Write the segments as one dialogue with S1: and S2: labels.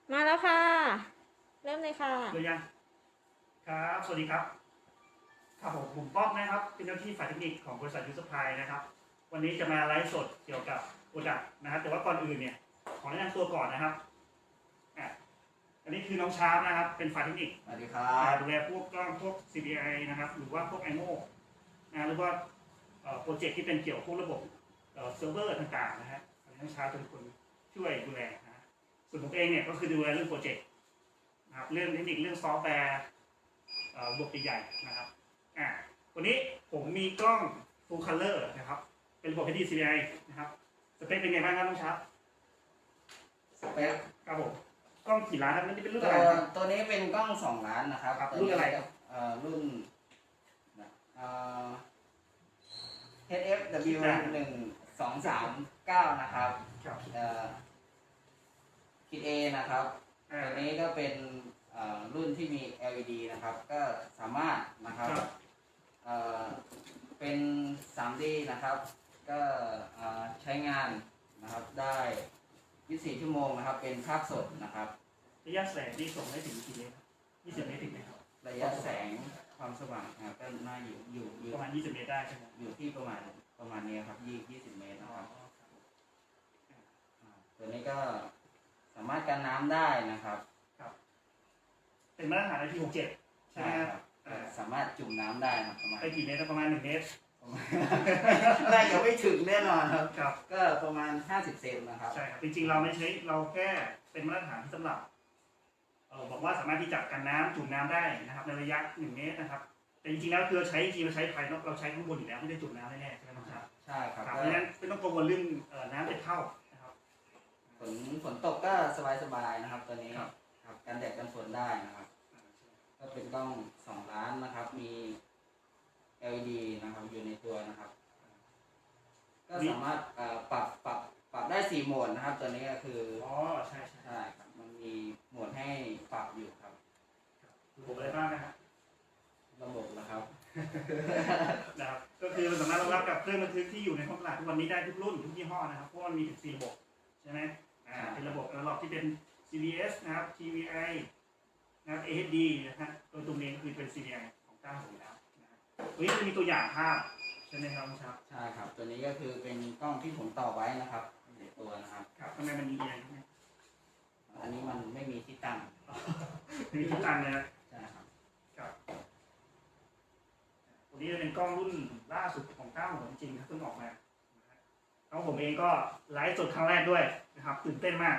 S1: มาแล้วค่ะ เริ่มเลยค่ะ
S2: เลยยังครับสวัสดีครับครับผมป๊อกนะครับเป็นเจ้าที่ฝ่ายเทคนิคของบริษัทยูสพายนะครับวันนี้จะมาไลฟ์สดเกี่ยวกับโปรดักต์นะครับแต่ว่าก่อนอื่นเนี่ยขอแนะนำตัวก่อนนะครับอ่ะอันนี้คือน้องชาร์ปนะครับเป็นฝ่ายเทคนิค
S3: สวัสดีครับ
S2: ดูแลพวกกล้องพวก CPI นะครับหรือว่าพวก IMO นะหรือว่าโปรเจกต์ที่เป็นเกี่ยวกับพวกระบบเซิร์ฟเวอร์ต่างๆนะฮะน้องชาร์ปเป็นคนช่วยดูแลนะฮะส่วนผมเองเนี่ยก็คือดูแลเรื่องโปรเจกต์นะครับเรื่องเทคนิคเรื่องซอฟต์แวร์ระบบใหญ่ๆนะครับวันนี้ผมมีกล้อง Full Color นะครับเป็นระบบ HD CPI นะครับสเปคเป็นไงบ้างครับน้องชาร์ป
S3: สเปค
S2: ครับผมกล้องกี่ล้านครับนี่เป็นรุ่น
S3: ตั
S2: อะไรครับ
S3: ตัวนี้เป็นกล้อง2 ล้านนะครับ
S2: รุ่นอะไรครับ
S3: รุ่นเอ่อ HFW 1239นะครับ
S2: ครับ
S3: คิด A นะครับ
S2: อ่า
S3: ตัวนี้ก็เป็นรุ่นที่มี LED นะครับก็สามารถนะครับเอ่อเป็น 3D นะครับก็ใช้งานนะครับได้24 ชั่วโมงนะครับเป็นภาพสดนะครับ
S2: ระยะแสงที่ส่งได้ถึงกี่เมตร20 เมตรถึงไหมครับ
S3: ระยะแสงความสว่างนะครับก็น่าอยู่
S2: ประมาณ20 เมตรได้ใช่ไหม
S3: อยู่ที่ประมาณนี้ครับ20 เมตรนะครับตัวนี้ก็สามารถกันน้ำได้นะครับ
S2: ครับเป็นมาตรฐาน IP67 ใช่ไหมครับ
S3: สามารถจุ่มน้ำได้นะประมาณ
S2: ไปกี่เมตรประมาณ1 เมตร
S3: น่าจะไม่ถึงแน่นอนครับ
S2: ครับ
S3: ก็ประมาณ50 เซนนะครับ
S2: ใช่ครับจริงๆเราไม่ใช้เราแค่เป็นมาตรฐานที่สำหรับบอกว่าสามารถที่จะกันน้ำจุ่มน้ำได้นะครับในระยะ1 เมตรนะครับแต่จริงๆแล้วคือเราใช้ภายนอกเราใช้ข้างบนอยู่แล้วไม่ได้จุ่มน้ำแน่ๆใช่ไหมครับ
S3: ใช่ครับ
S2: เพราะฉะนั้นไม่ต้องกังวลเรื่องน้ำจะเข้านะครับ
S3: ฝนตกก็สบายๆนะครับตัวนี้ครับกันแดดกันฝนได้นะครับก็เป็นกล้อง2 ล้านนะครับมี LED นะครับอยู่ในตัวนะครับก็สามารถปรับได้4 โหมดนะครับตัวนี้ก็คือ
S2: ใช่
S3: ครับมันมีโหมดให้ปรับอยู่ครับ
S2: ระบบอะไรบ้างนะฮะ
S3: ระบบนะครับ
S2: นะครับก็คือเราสามารถรองรับกับเครื่องบันทึกที่อยู่ในท้องตลาดทุกวันนี้ได้ทุกรุ่นทุกยี่ห้อนะครับเพราะมันมีถึง4 ระบบใช่ไหมเป็นระบบที่เป็น CBS นะครับ TVI นะครับ AHD นะฮะตัวตรงนี้คือเป็น CVI ของเจ้าอยู่แล้วนะครับวันนี้จะมีตัวอย่างภาพใช่ไหมครับคุณชา
S3: ใช่ครับตัวนี้ก็คือเป็นกล้องที่ผมต่อไว้นะครับในตัวนะครับ
S2: ครับทำไมมันมีอะไรไหม
S3: อันนี้มันไม่มีที่ตั้ง
S2: มีที่ตั้งนะ
S3: ใช่ครับ
S2: ครับตัวนี้จะเป็นกล้องรุ่นล่าสุดของเจ้าจริงๆครับเพิ่งออกมาแล้วผมเองก็ไลฟ์สดครั้งแรกด้วยนะครับตื่นเต้นมาก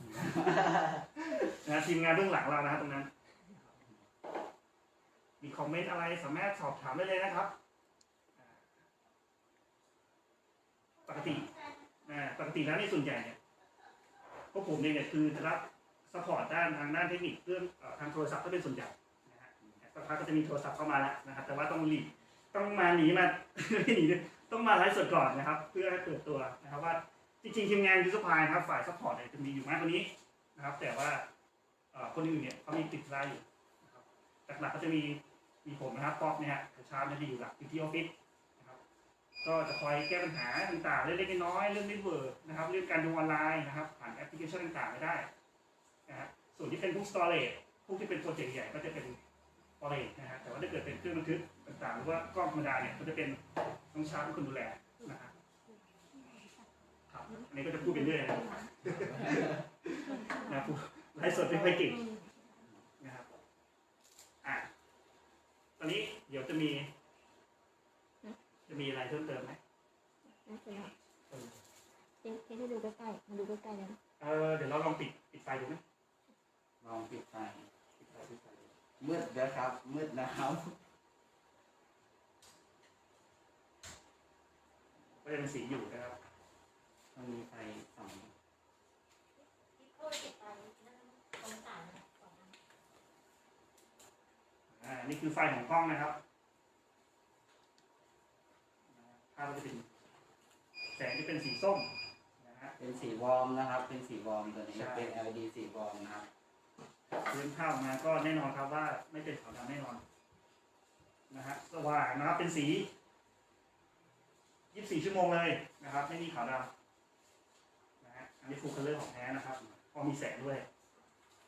S2: นะทีมงานเบื้องหลังเรานะครับตรงนั้นมีคอมเมนต์อะไรสามารถสอบถามได้เลยนะครับปกติแล้วในส่วนใหญ่เนี่ยพวกผมเองเนี่ยคือจะรับซัพพอร์ตทางด้านเทคนิคเรื่องทางโทรศัพท์ก็เป็นส่วนใหญ่นะฮะสักพักก็จะมีโทรศัพท์เข้ามาแล้วนะครับแต่ว่าต้องหนีมาไม่หนีต้องมาไลฟ์สดก่อนนะครับเพื่อให้เปิดตัวนะครับว่าจริงๆทีมงานยูสพายนะครับฝ่ายซัพพอร์ตเนี่ยจะมีอยู่มากกว่านี้นะครับแต่ว่าคนอื่นเนี่ยเขามีติดไลน์อยู่นะครับหลักๆก็จะมีผมนะครับป๊อกเนี่ยฮะชาร์ปจะอยู่หลักอยู่ที่ออฟฟิศนะครับก็จะคอยแก้ปัญหาต่างๆเล็กๆน้อยๆเรื่องเน็ตเวิร์กนะครับเรื่องการดูออนไลน์นะครับผ่านแอปพลิเคชันต่างๆไม่ได้นะฮะส่วนที่เป็นพวกสตอเรจพวกที่เป็นโปรเจกต์ใหญ่ก็จะเป็นสตอเรจนะฮะแต่ว่าถ้าเกิดเป็นเครื่องบันทึกต่างๆหรือว่ากล้องธรรมดาเนี่ยก็จะเป็นต้องชาร์ปเป็นคนดูแลนะครับอันนี้ก็จะพูดไปเรื่อยนะพูดไลฟ์สดไม่ค่อยเก่งนะครับตอนนี้เดี๋ยวจะมีอะไรเพิ่มเติมไหม
S1: ให้ดูใกล้ๆมาดูใกล้ๆเลย
S2: เดี๋ยวเราลองปิดไฟดูไหม
S3: ลองปิดไฟมืดนะครับมืดนะครับ
S2: ก็จะเป็นสีอยู่นะครับ
S3: มันมีไฟส่อง
S2: นี่คือไฟของกล้องนะครับภาพก็จะเป็นแสงที่เป็นสีส้มนะฮะ
S3: เป็นสีวอร์มนะครับเป็นสีวอร์มตัวนี้เป็น LED สีวอร์มนะครับ
S2: พื้นภาพมาก็แน่นอนครับว่าไม่เป็นขาวดำแน่นอนนะฮะสว่างนะครับเป็นสี24 ชั่วโมงเลยนะครับไม่มีขาวดำนะฮะอันนี้ฟูลคัลเลอร์ของแท้นะครับพอมีแสงด้วย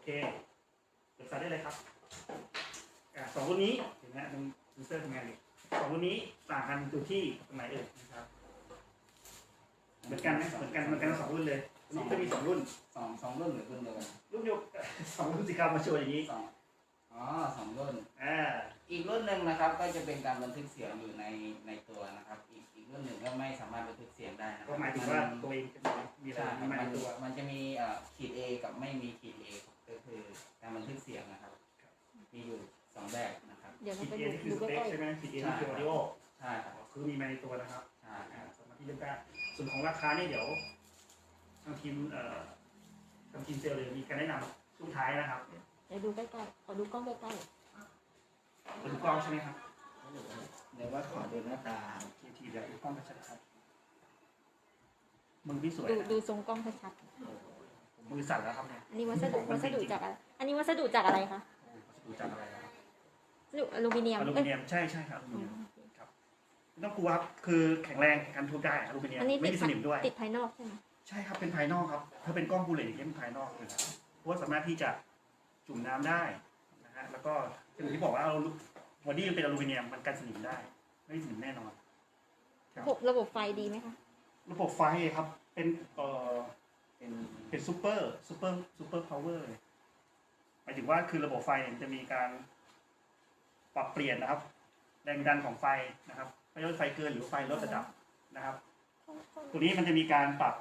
S2: เปิดไฟได้เลยครับสองรุ่นนี้เห็นไหมตรงเซนเซอร์ทำงานอยู่สองรุ่นนี้ต่างกันอยู่ที่ตรงไหนนะครับเหมือนกันไหมเหมือนกันทั้งสองรุ่นเลยนี่จะมีสองรุ่น
S3: สองรุ่นหรือรุ่นเดียวกัน
S2: รุ่นเดียวสองรุ่นสิครับมาโชว์อย่างนี้
S3: สองรุ่น
S2: อ่า
S3: อีกรุ่นหนึ่งนะครับก็จะเป็นการบันทึกเสียงอยู่ในตัวนะครับ อีกรุ่นหนึ่งก็ไม่สามารถบันทึกเสียงได้นะค
S2: ก็
S3: รับ
S2: หมายถึงว่าตัวเองจะมีอะไร
S3: ใช่ครับ
S2: มีในตัว
S3: มันจะมีขีด A กับไม่มีขีด A ก็คือการบันทึกเสียงนะครับ มีอยู่สองแบบนะครับ
S1: เดี๋ยวเรา
S2: ขีด
S1: ไป
S2: เอ
S1: ดู
S2: นี่คือ
S1: ดู
S2: สเป
S1: ใก
S2: ค
S1: ล้
S2: ใช่ไหมขีดเอนี่คือออดิโอ
S3: ใช่ครับ
S2: คือมีมาในตัวนะครับ
S3: ใช่ครับ
S2: สมาธิเรื่องการส่วนของราคานี่เดี๋ยวทางทีมเซลล์เลยมีการแนะนำช่วงท้ายนะครับ
S1: ๆเดี๋ยวดูใกล้ๆขอดูกล้องใกล้
S2: เป็นกล้องใช่ไหมครับ
S3: เดี๋ยวว่าขอดูหน้าตา
S2: ทีเดี๋ยวดูกล้องชัดๆครับมือพี่สวย
S1: ๆดู
S2: นะ
S1: ดูทรงกล้องชัด
S2: ผมมือสั่นแล้วครับเนี่ย
S1: ๆอันนี้วัสดุจากอะไรอันนี้วัสดุจากอะไรคะ
S2: ดูจากอะไรครับ
S1: วัสดุอลูมิเนียม
S2: อลูมิเนียมใช่ครับอลูมิเนียมครับไม่ต้องกลัวครับคือแข็งแรงกันทุบได้อลูมิเนียม
S1: อันนี้
S2: ไม่มีสนิมด้วย
S1: ติดภายนอกใช่ไหม
S2: ใช่ครับเป็นภายนอกครับถ้าเป็นกล้องบูเลตอย่างนี้เป็นภายนอกเลยนะเพราะว่าสามารถที่จะจุ่มน้ำได้นะฮะแล้วก็อย่างที่บอกว่าบอดี้มันเป็นอลูมิเนียมมันกันสนิมได้ไม่สนิมแน่นอน
S1: ระบบไฟดีไหมคะ
S2: ระบบไฟครับเป็นเป็นซูเปอร์พาวเวอร์เลยหมายถึงว่าคือระบบไฟเนี่ยจะมีการปรับเปลี่ยนนะครับแรงดันของไฟนะครับไม่ว่าไฟเกินหรือไฟลดระดับนะครับ ตัวนี้มันจะมีการปรับ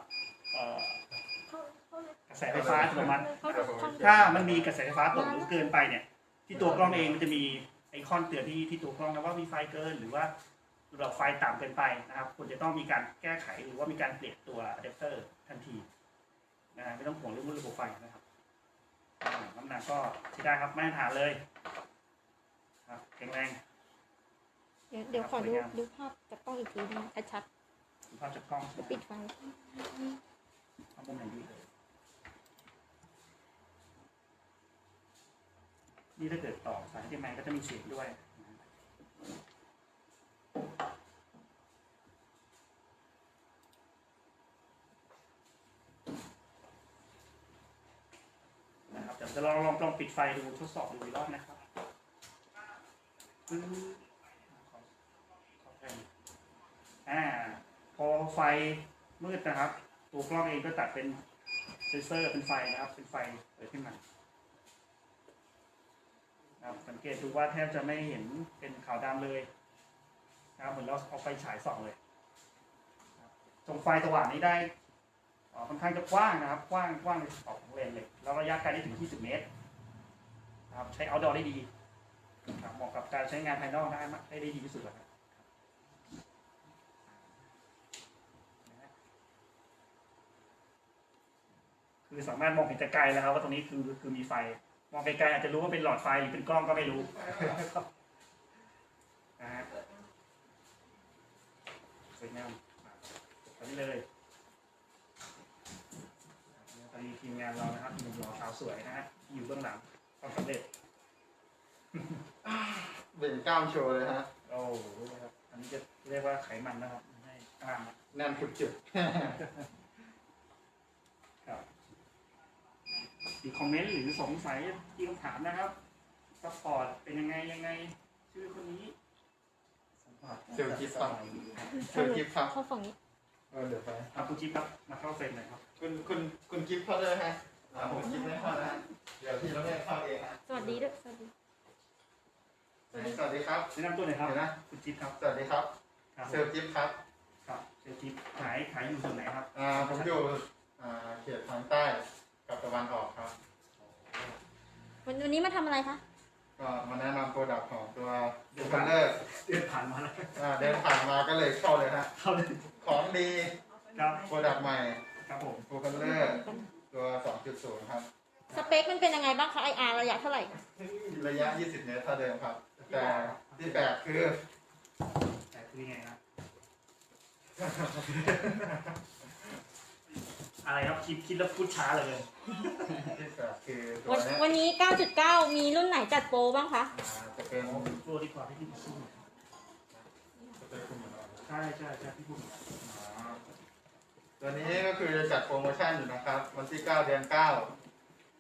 S2: กระแสไฟฟ้าอัตโนมัติถ้ามันมีกระแสไฟฟ้าตกหรือเกินไปเนี่ยที่ตัวกล้องเองมันจะมีไอคอนเตือนที่ตัวกล้องนะว่ามีไฟเกินหรือว่าระดับไฟต่ำเกินไปนะครับควรจะต้องมีการแก้ไขหรือว่ามีการเปลี่ยนตัวอะแดปเตอร์ทันทีนะไม่ต้องห่วงเรื่องระบบไฟนะครับน้ำหนักก็ใช้ได้ครับไม่ฐานเลยครับแข็งแรง
S1: เดี๋ยวขอดูภาพจากกล้องอีกทีนึงชัด
S2: ภาพจากกล้อง
S1: ๆปิดไฟ
S2: เอามุมไหนดีเลยนี่ถ้าเกิดต่อสายที่แมนก็จะมีเสียงด้วยนะครับเดี๋ยวจะลองปิดไฟดูทดสอบดูอีกรอบนะครับพอไฟมืดนะครับตัวกล้องเองก็ตัดเป็นเซนเซอร์เป็นไฟนะครับเป็นไฟเปิดขึ้นมานะครับสังเกตดูว่าแทบจะไม่เห็นเป็นขาวดำเลยนะครับเหมือนเราเอาไฟฉายส่องเลยตรงไฟสว่างนี้ได้ค่อนข้างจะกว้างนะครับกว้างในขอบของเลนเลยแล้วระยะไกลได้ถึง20 เมตรนะครับใช้ outdoor ได้ดีเหมาะกับการใช้งานภายนอกได้ดีที่สุดแล้วครับคือสามารถมองเห็นแต่ไกลแล้วครับว่าตรงนี้คือมีไฟมองไกลๆอาจจะรู้ว่าเป็นหลอดไฟหรือเป็นกล้องก็ไม่รู้นะฮะสวยงามตอนนี้เลยตอนนี้ทีมงานเรานะครับหนุ่มหล่อสาวสวยนะฮะอยู่เบื้องหลังความสำเร็จ
S4: เบ่งกล้ามโชว์เลยฮะ
S2: โอ้โหนะครับอันนี้จะเรียกว่าไขมันนะครับไม่ให้กล้ามนะ
S4: แน่นจุด
S2: ครับมีคอมเมนต์หรือสงสัยที่คำถามนะครับซัพพอร์ตเป็นยังไงชื่อคนนี้
S4: ๆเซลล์กิฟต์ครับเซลล์กิฟต์ครับ
S1: เข้าฝั่งนี้
S4: เดี๋ยวไป
S2: คุณจิ๊บครับมาเข้าเฟรมหน่อยครับ
S4: คุณกิฟต์เข้าเลยฮะผมกิฟต์ไม่เข้านะฮะเดี๋ยวพี่เราแม่เข้าเองฮะ
S1: สวัสดีด้วยสวัสดี
S4: สวัสดีครับ
S2: แนะนำตัวหน่อยครับ
S4: เดี๋ยวนะ
S2: คุณจิ๊บครับ
S4: สวัสดีครับ
S2: ครับ
S4: เซลล์กิฟต์ครับ
S2: ครับเซลล์จิ๊บขายอยู่ส่วนไหนครับ
S4: ผมอยู่เขตทางใต้กับตะวันออกครับ
S1: วันนี้มาทำอะไรคะ
S4: ก็มาแนะนำโปรดักต์ของตัวดูคัลเลอร์
S2: เดินผ่านมาแล้ว
S4: เดินผ่านมาก็เลยเข้าเลยฮะ
S2: เข้าเลย
S4: ของดี
S2: ครับ
S4: โปรดักต์ใหม่
S2: ครับผม
S4: ดูคัลเลอร์ตัว 2.0 ครับ
S1: สเปคมันเป็นยังไงบ้างคะ IR ระยะเท่าไหร่
S4: ระยะ 20 เมตรเท่าเดิมครับ แต่ที่แปลกคือ
S2: แต่คือยังไงครับอะไรครับคิดแล้วพูดช้าเลย
S4: ที่แปลกคือตัวเนี้ย
S1: วันนี้ 9.9 มีรุ่นไหนจัดโปรบ้างคะ
S4: จะเป็น
S2: โปรดีกว่าที่พี่พูด
S4: จะเป็นคุณเหมือนกัน
S2: ใช่พี่พูด
S4: ตัวนี้ก็คือจะจัดโปรโมชั่นอยู่นะครับ วันที่ 9 เดือน 9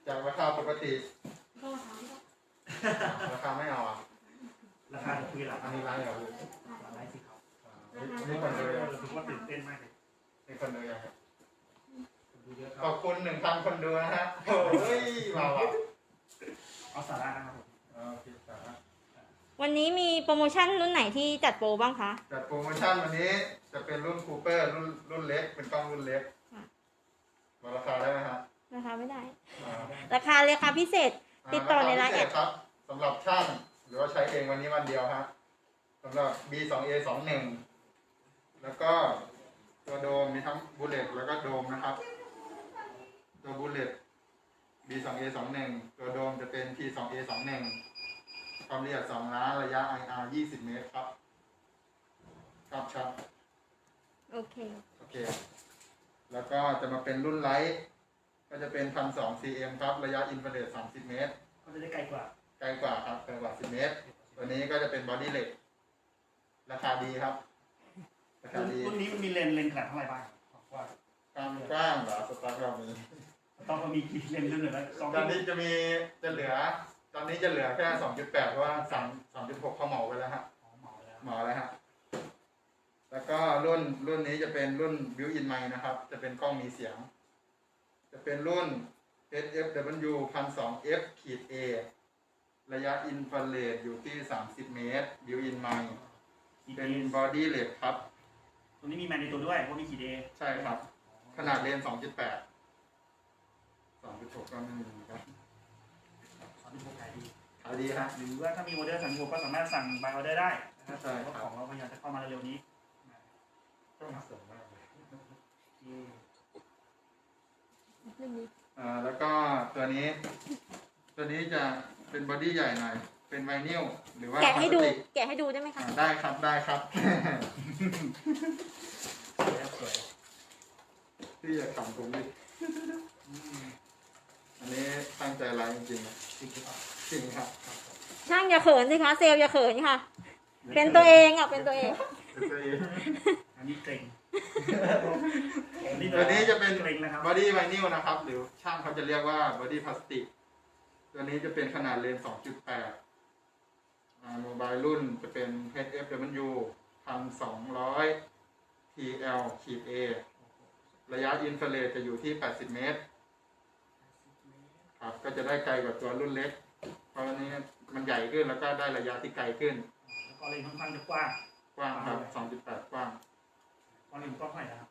S4: จากราคาปกติ
S1: ก็ถามว่า
S4: ราคาไม่เอาอ่ะ
S2: ราคาคุยหลัง
S4: อันนี้ร้านเหรอ
S2: ไลฟ์สิครับ
S4: นี่คนดูยัง
S2: รู้สึกว่าตื่นเต้นมากเลย
S4: นี่คนดูยังครับ
S2: คนดูเยอะค
S4: ข
S2: รั
S4: อ
S2: บบ
S4: คุณ1,000 คนดูนะฮะโอ้ยมาว่ะ
S2: เอาสาระนะครับผม
S4: โอเคครับ
S1: วันนี้มีโปรโมชั่นรุ่นไหนที่จัดโปรบ้างคะ
S4: จัดโปรโมชั่นวันนี้จะเป็นรุ่นคูเปอร์รุ่นเล็กเป็นกล้องรุ่นเล็ก
S1: ค่ะ
S4: บอกราคาได้ไหมฮะ
S1: ราคาไม่ได้
S4: อ่า
S1: ราคาพิเศษ ติดต่อในไลน์แอด
S4: ราคาพิเศษครับสำหรับช่างหรือว่าใช้เองวันนี้วันเดียวฮะสำหรับ B2A21 แล้วก็ตัวโดมมีทั้งบูเลตแล้วก็โดมนะครับ ตัวบูเลต B2A21 ตัวโดมจะเป็น P2A21 ความละเอียด2 ล้านระยะ IR 20 เมตรครับครับ
S1: โอเค
S4: โอเค แล้วก็จะมาเป็นรุ่นไลท์ก็จะเป็น 1,200 cm ครับระยะอินฟราเรด30 เมตร
S2: ก็จะได้ไกลกว่า
S4: ไกลกว่าครับไกลกว่า10 เมตร ตัวนี้ก็จะเป็นบอดี้เหล็กราคาดีครับ ราคาดี
S2: รุ่นนี้มันมีเลนส์ขนาดเท่าไหร่บ้างว่า
S4: ความกว้างเหรอสตาร์ทเรามี
S2: ต้องมีกี่เลนส์ด้วยนะสอง
S4: ตอนนี้จะเหลือ ตอนนี้จะเหลือแค่ 2.8 เพราะว่า3.6เขาเหมาไปแล้วฮะ
S2: เหมาแล้ว
S4: เหมาแล้วฮะ แล้วก็รุ่นนี้จะเป็นรุ่น built-in mic นะครับ จะเป็นกล้องมีเสียง จะเป็นรุ่น SFW 1200F-A ระยะอินฟราเรดอยู่ที่30 เมตร built-in mic เป็นบอดี้เหล็กครับ
S2: ตัวนี้มีแมนในตัวด้วยว่ามีกี่เดย์
S4: ใช่ครับ ขนาดเลนส์ 2.8 2.6 ก็ไม่มีครับ
S2: 36ขายดี
S4: ขายดีฮะ
S2: หรือว่าถ้ามีออเดอร์สั่งก็สามารถสั่งบายออเดอร์ได้นะครับ
S4: ใช่ครับ
S2: เพราะของเราพยายามจะเข้ามาเร็วๆนี้
S4: ต้องสวยมากเลย แล้วก็ตัวนี้จะเป็นบอดี้ใหญ่หน่อย เป็นไวนิลหรือว่า
S1: แกะให้ดู
S4: พลาสติก
S1: แกะให้ดูได้ไหมคะ
S4: ได้ครับ ได้ครับ
S2: สวย
S4: ที่จะขำผมดิอันนี้ตั้งใจไลฟ์จริงๆนะ
S2: จริงหรือเปล่า
S4: จริงครับ
S1: ช่างอย่าเขินสิคะ เซลล์อย่าเขินค่ะ เป็นตัวเองอ่ะ เป็นตัวเอง
S4: เป็นตัวเอง
S2: อันนี้เกรง
S4: ตัวนี้จะเป็น
S2: เกรงนะครับ
S4: บอดี้ไวนิลนะครับ หรือช่างเขาจะเรียกว่าบอดี้พลาสติก ตัวนี้จะเป็นขนาดเลนส์ 2.8 โมบายรุ่นจะเป็น HFW 1200 TL-A ระยะอินฟราเรดจะอยู่ที่ 80 เมตร ครับ ก็จะได้ไกลกว่าตัวรุ่นเล็ก เพราะอันนี้มันใหญ่ขึ้นแล้วก็ได้ระยะที่ไกลขึ้น
S2: แล้วก็เลนส์ค่อนข้างจะกว้าง
S4: กว้างครับ 2.8 กว้าง
S2: ก็เลนส์กว้างเท่าไหร่นะครับ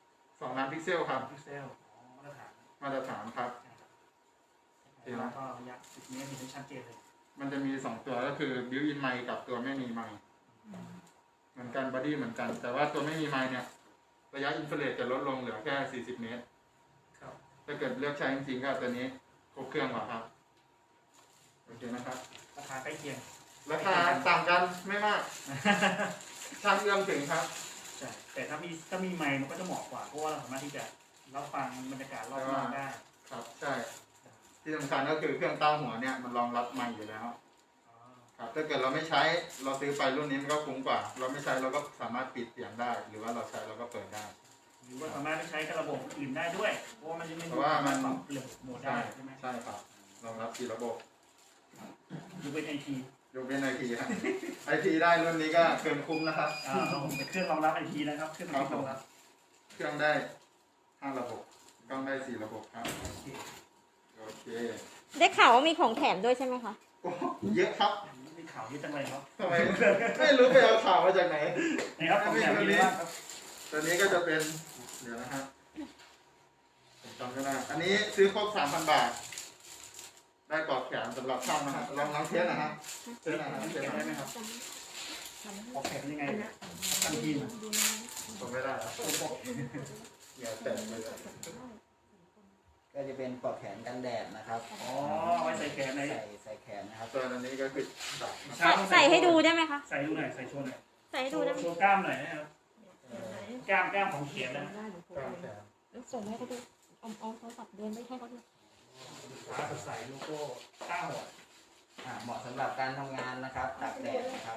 S4: 2 ล้านพิกเซลครับ
S2: พิกเซลมาตรฐาน
S4: มาตรฐานครับ
S2: แล้วก็ระยะ10 เมตรเห็นชัดเจนเลย
S4: มันจะมี 2 ตัวก็คือ built-in mic กับตัวไม่มีไมค์เหมือนกันบอดี้เหมือนกัน แต่ว่าตัวไม่มีไมค์เนี่ย ระยะอินฟราเรดจะลดลงเหลือแค่ 40 เมตร
S2: ครับ
S4: ถ้าเกิดเลือกใช้จริงๆก็ตัวนี้ครบเครื่องกว่าครับ โอเคนะครับ
S2: ราคาใกล้เคียง
S4: ราคาต่างกันไม่มาก ช่างเอื้อมถึงครับ
S2: ใช่แต่ถ้ามีไมค์มันก็จะเหมาะกว่าเพราะว่าเราสามารถที่จะรับฟังบรรยากาศรอบนอกได้
S4: ครับ ใช่ ที่สำคัญก็คือเครื่องตั้งหัวเนี่ยมันรองรับไมค์อยู่แล้ว ครับ ถ้าเกิดเราไม่ใช้เราซื้อไปรุ่นนี้มันก็คุ้มกว่า เราไม่ใช้เราก็สามารถปิดเสียงได้ หรือว่าเราใช้เราก็เปิดได้
S2: หรือว่าสามารถใช้กับระบบอื่นได้ด้วยเพราะว่ามันจะไม่
S4: เพราะว่ามัน
S2: ปรับเปลี่ยนโหมดได้ใช่ไหม
S4: ใช่ครับรองรับ4ระบบ
S2: ยกเว้นไอที
S4: ยกเว้นไอทีฮะไอทีได้รุ่นนี้ก็เกินคุ้มนะครับ
S2: เป็นเครื่องรองรับไอทีนะครับเครื่องรองรับ
S4: เครื่องได้5ระบบกล้องได้4ระบบครับ โอเค
S1: ได้ข่าวว่ามีของแถมด้วยใช่ไหมคะ
S4: โอ้เยอะครับ
S2: มีข่าวเยอะจังเลยครับ
S4: ทำไมไม่รู้ไปเอาข่าวมาจากไหน
S2: นะครับผมอยากรู้ว่าครับ
S4: ตัวนี้ก็จะเป็นเดี๋ยวนะฮะผมจำไม่ได้อันนี้ซื้อครบ 3,000 บาท ได้ปลอกแขนสำหรับช่างนะฮะลองเทสนะฮะเทสนะฮะเทส
S2: เก็บ
S4: นะ
S2: ได้ไหมครับออกแผนยังไงทันทีม
S4: ผมไม่ได้ครับอย่าแตะเลย
S3: ก็จะเป็นปลอกแขนกันแดดนะครับ
S2: อ๋อไว้ใส่แขนใน
S3: ใส่แขนนะครับ
S4: ตัวอันนี้ก็คือดักนะ
S1: ใส่ให้ดูได้ไหมคะ
S2: ใส่ดูหน่อยใส่โชว์หน่อย
S1: ใส่ให้ดูได้ไหม
S2: โชว์กล้ามหน่อยนะครับกล้ามของเขียนนะ
S4: กล้ามแขน
S1: ส่งให้เขาดูเอาโทรศัพท์เดินไปให้เขาดู
S2: ฟ้าสดใสโลโก้ก้าว
S3: เหมาะสำหรับการทำงานนะครับตากแดดนะครับ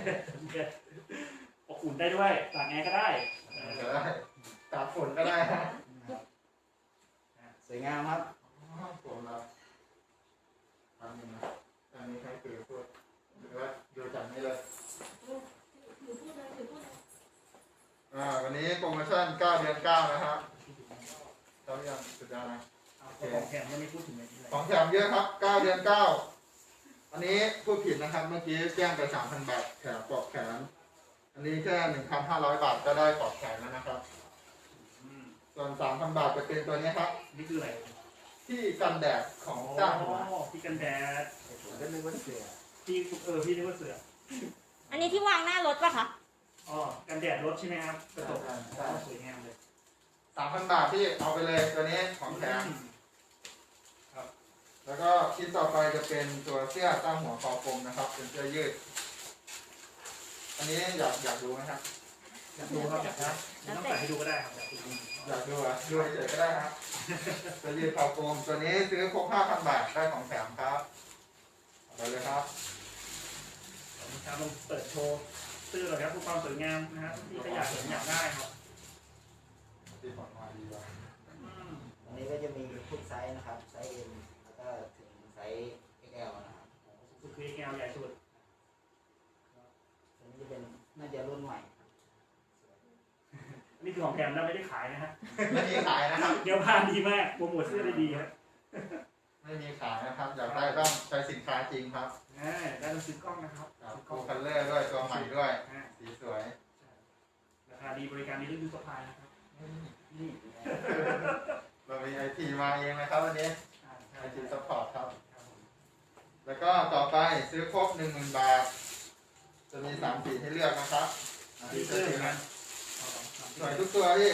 S2: อบอุ่นได้ด้วยตากแอร์ก็ได้
S4: ก็ได้ตากฝนก็ได้ฮะ
S3: สวยงามครับ
S4: ผมรับนี้โปรโมชั่น9 เดือน 9นะครับเจ้ายังสุดยอดนะ
S2: ของแถมยังไม่พูดถึงเลยที่ไหน
S4: ของแถมเยอะครับ9 เดือน 9อันนี้พูดผิดนะครับเมื่อกี้แจ้งไป 3,000 บาทแถมปลอกแขนอันนี้แค่ 1,500 บาทก็ได้ปลอกแขนแล้วนะครับส่วน 3,000 บาทจะเป็นตัวนี้ครับ
S2: นี่คืออะไร
S4: ที่กันแดดของเจ้าหัว
S2: ที่กันแดด
S4: ผมก็นึกว่าเสือ
S2: ที่พี่นึกว่าเสือ
S1: อันนี้ที่วางหน้ารถปะคะ
S2: อ๋อกันแดดรถใช่ไหมครับกระจกสวยงามเลย
S4: 3,000 บาทที่เอาไปเลยตัวนี้ของแถมแล้วก็ชิ้นต่อไปจะเป็นตัวเสื้อตั้งหัวคอกลมนะครับ เป็นเสื้อยืด อันนี้อยากดูไหมครับ
S2: อยากดูครับอยากนะต้องใส่ให้ดูก็ได้ครับอยากดู
S4: อยากดูอ่ะดูเฉยๆก็ได้ครับเสื้อยืดคอกลมตัวนี้ซื้อครบ 5,000 บาทได้ของแถมครับเอาไปเลยครับ
S2: ครับลองเปิดโชว์เสื้อหน่อยครับผู้ความสวยงามนะครับที่ขยะอยากได้ครับ
S4: ที่ผ่อนมาดีว่ะ
S3: อันนี้ก็จะมีทุกไซส์นะครับไซส์ M แล้วก็ถึงไซส์ XL นะครับ
S2: คือ XL ใหญ่สุด
S3: อันนี้จะเป็นน่าจะรุ่นใหม่ครับ
S2: นี่คือของแถมแล้วไม่ได้ขายนะฮะ
S4: ไม่มีขายนะครับ
S2: เดี๋ยวพานดีมากโปรโมทเสื้อได้ดีครับ
S4: ไม่มีขายนะครับ อยากได้ต้องใช้สินค้าจริงครับ
S2: ได้ต้องซื้อกล้องนะครับ
S4: โคคัลเลอร์ด้วยตัวใหม่ด้วย สีสวย
S2: ราคาดีบริการดีเรื่องยูสปายนะครับนี่
S4: เรามีไอทีมาเองนะครับวันนี้ไอทีซัพพอร์ตครับ แล้วก็ต่อไปซื้อครบ 10,000 บาท จะมี3 สีให้เลือกนะครับ
S2: ดีเสื้อเหมือนกัน
S4: สวยทุกตัวที่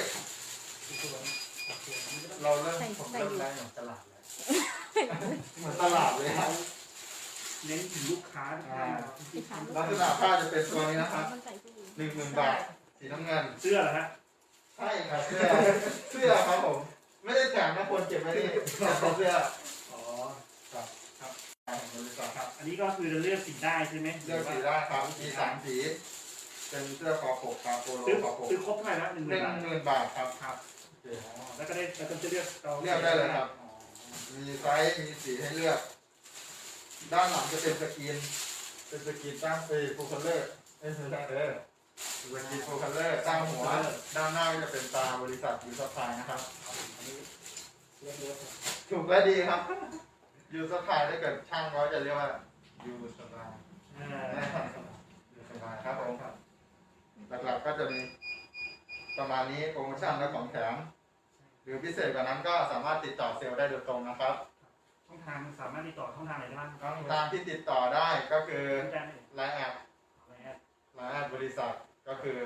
S4: เราเริ่มผมเริ่มได้เหมือนตลาดเลยเหมือนตลาดเลยครับ
S2: เน้นถึงลูกค้าทุกท่าน
S4: ลักษณะผ้าจะเป็นตัวนี้นะครับ
S1: มันใส่ผู้หญิง
S4: 10,000 บาท สีน้ำเงิน
S2: เสื้อเหรอฮะ
S4: ใช่ครับเสื้อครับผม ไม่ได้แถมนะคนเก็บไว้นี่เป็นเสื้อ
S2: อ๋อ
S4: ของบริษัท
S2: ครับ อันนี้ก็คือจะเลือกสีได้ใช่ไหม
S4: เลือกสีได้ครับ มี3 สี เป็นเสื้อคอปกครับโปโล
S2: ซื้อ
S4: คอปก
S2: ซื้อครบเท่าไหร่แล้ว10,000 บาท
S4: 10,000 บาทครับ
S2: ครับแล้วก็ได้แล้วก็จะเลือก
S4: เลือกได้เลยครับ มีไซส์มีสีให้เลือก ด้านหลังจะเป็นสกรีน เป็นสกรีนตั้งฟูลคัลเลอร์ไม่ใช่สกรีนฟูลคัลเลอร์ตั้งหัว ด้านหน้าก็จะเป็นตาบริษัทยูซัพพลายนะครับ ถูกและดีครับยูซัพพลายถ้าเกิดช่างเขาจะเรียกว่ายูซัพพลายยูซัพพลายครับผมหลักๆก็จะมีประมาณนี้โปรโมชั่นและของแถม หรือพิเศษกว่านั้นก็สามารถติดต่อเซลล์ได้โดยตรงนะครับ
S2: ช่องทางสามารถติดต่อช่องทางไหนได้บ้าง
S4: ช่องทางที่ติดต่อได้ก็คือ
S2: แจ้งได้
S4: ไลน์แอด
S2: เลย
S4: ไลน์แอดบริษัทก็คือ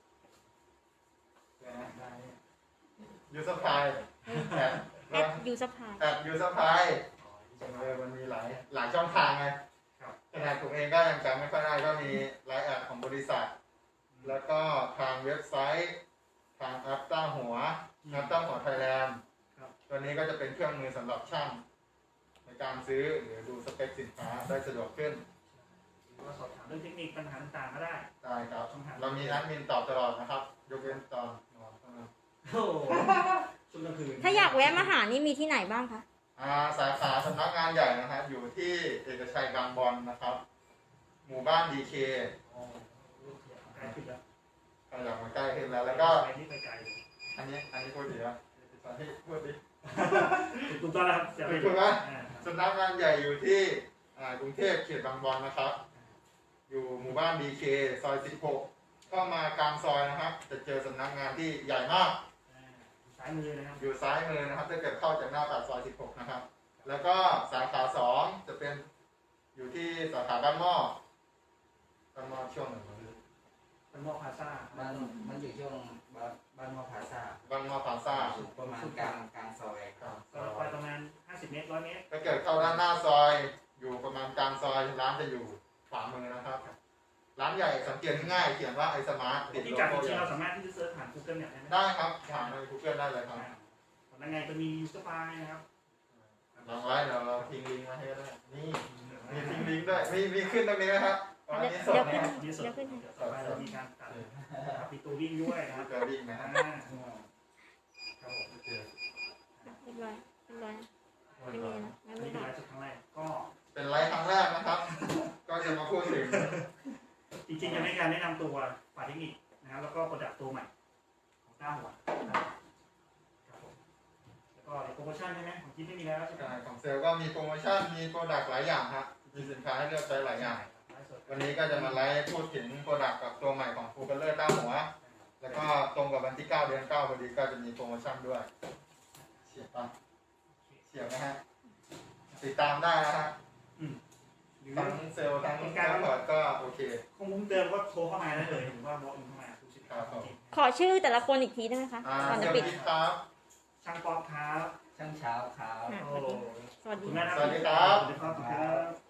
S4: ยูซัพพลายแอด
S1: แอดยูสปาย
S4: แอดยูซัพพลายมันมีหลายช่องทางไงขนาดผมเองก็ยังจำไม่ค่อยได้ก็มีไลน์แอดของบริษัท แล้วก็ทางเว็บไซต์ทางแอปตั้งหัวแอปตั้งหัวไทยแลนด์ตัวนี้ก็จะเป็นเครื่องมือสำหรับช่างในการซื้อหรือดูสเปคสินค้าได้สะดวกขึ้น
S2: หรือว่าสอบถามเรื่องเทคนิคปัญหาต่างๆก็ได้
S4: ได้ครับ เรามีแอดมินตอบตลอดนะครับ ยกเว้นตอนนอนเท่านั้น
S2: โอ้โหช่วงกลางคืน
S1: ถ้าอยากแวะมาหานี่มีที่ไหนบ้างคะ
S4: สาขาสำนักงานใหญ่นะครับอยู่ที่เอกชัยบางบอนนะครับ หมู่บ้านดีเค
S2: ใกล้ขึ้นแล้ว
S4: ใครอยากมาใกล้ขึ้นแล้ว แล้วก็
S2: ไปนี่ไปไกลเลย
S4: อันนี้พูดดีนะที่พูดดี
S2: ถูกต้องแล้วครับเสียไป
S4: ถูกไหมสำนักงานใหญ่อยู่ที่กรุงเทพเขตบางบอนนะครับ อยู่หมู่บ้านดีเคซอย16เข้ามากลางซอยนะครับ จะเจอสำนักงานที่ใหญ่มาก
S2: ซ้ายมือนะครับ
S4: อยู่ซ้ายมือนะครับถ้าเกิดเข้าจากหน้าปากซอย16นะครับ แล้วก็สาขา2จะเป็นอยู่ที่สาขาบ้านหม้อช่วงไหนวะ
S2: เป็นมอพาซ่า
S3: มันอยู่ช่วงบ้านมอพาซา
S4: บ้านหม้อพลาซ่า
S3: อยู่ประมาณกลางซอย
S4: ครับ
S2: ก็ไปประมาณ50 เมตร100 เมตร
S4: ถ้าเกิดเข้าด้านหน้าซอยอยู่ประมาณกลางซอยร้านจะอยู่ขวามือนะครับ ร้านใหญ่สังเกตง่ายๆเขียนว่าไอสมาร์ทติด
S2: ที่
S4: โล
S2: กัดจ
S4: โก้
S2: ริ
S4: ให
S2: งๆ
S4: ญ่
S2: เราสามารถที่จะเซิร์ชผ่าน Google เนี่ยได้ไหม
S4: ได้ครับถามใน Google ได้เลยครับ
S2: แล้วไงจะมียูสปายนะครับ
S4: ลองไว้เดี๋ยวเราทิ้งลิงก์มาให้ก็ได้นี่มีทิ้งลิงก์ด้วยมีขึ้นตรงนี้ไหมครับวันนี้สดนะครับ
S2: มีสดต่อไปเรามีการตัดปิดตัววิ่งด้วยนะครับ
S4: เจอลิงก์นะฮะ
S2: ครับผม
S4: โอเค
S1: เรียบร้อยเรียบร้อยไม่มีนะงั้น
S2: นี่
S1: ไม่
S2: คือ
S1: ได้
S2: ไลฟ์สดครั้งแรกก็
S4: เป็นไลฟ์ครั้งแรกนะครับ ก็จะมาพูดถึง
S2: จริงๆจะไม่การแนะนำตัวฝ่ายเทคนิคนะครับแล้วก็โปรดักต์ตัวใหม่ชั่นใช่ไหมของคิดไม่มีแล้วใช่ไหม
S4: ใช่ของเซลล์ก็มีโปรโมชั่นมีโปรดักต์หลายอย่างฮะมีสินค้าให้เลือกใช้หลายอย่าง วันนี้ก็จะมาไลฟ์พูดถึงโปรดักต์กับตัวใหม่ของฟูเกอร์เลอร์ต้าหัว แล้วก็ตรงกับวันที่ 9 เดือน 9พอดีก็จะมีโปรโมชั่นด้วยเฉียบปะเฉียบนะฮะติดตามได้นะฮะ
S2: หรือ
S4: ทั้งเซลล์ทั้งซัพพอร์ตก็โอเค
S2: คงมุ้งเดิมก็โทรเข้ามาได้เลยหรือว่าบล็อกอินเข้ามาทุกสินค้าจริง
S1: ขอชื่อแต่ละคนอีกทีได้ไหมคะก่อน
S4: เซ
S1: จะ
S4: ล
S1: ปิด
S4: ล์พิทครับ
S2: ช่างป๊อปครับ
S3: ช่างเช้าครับ
S1: อ่ะ
S2: โอ้
S1: สวัสดี
S2: คุณแม่
S4: สวัสดีครับ
S2: สวัสดีครับ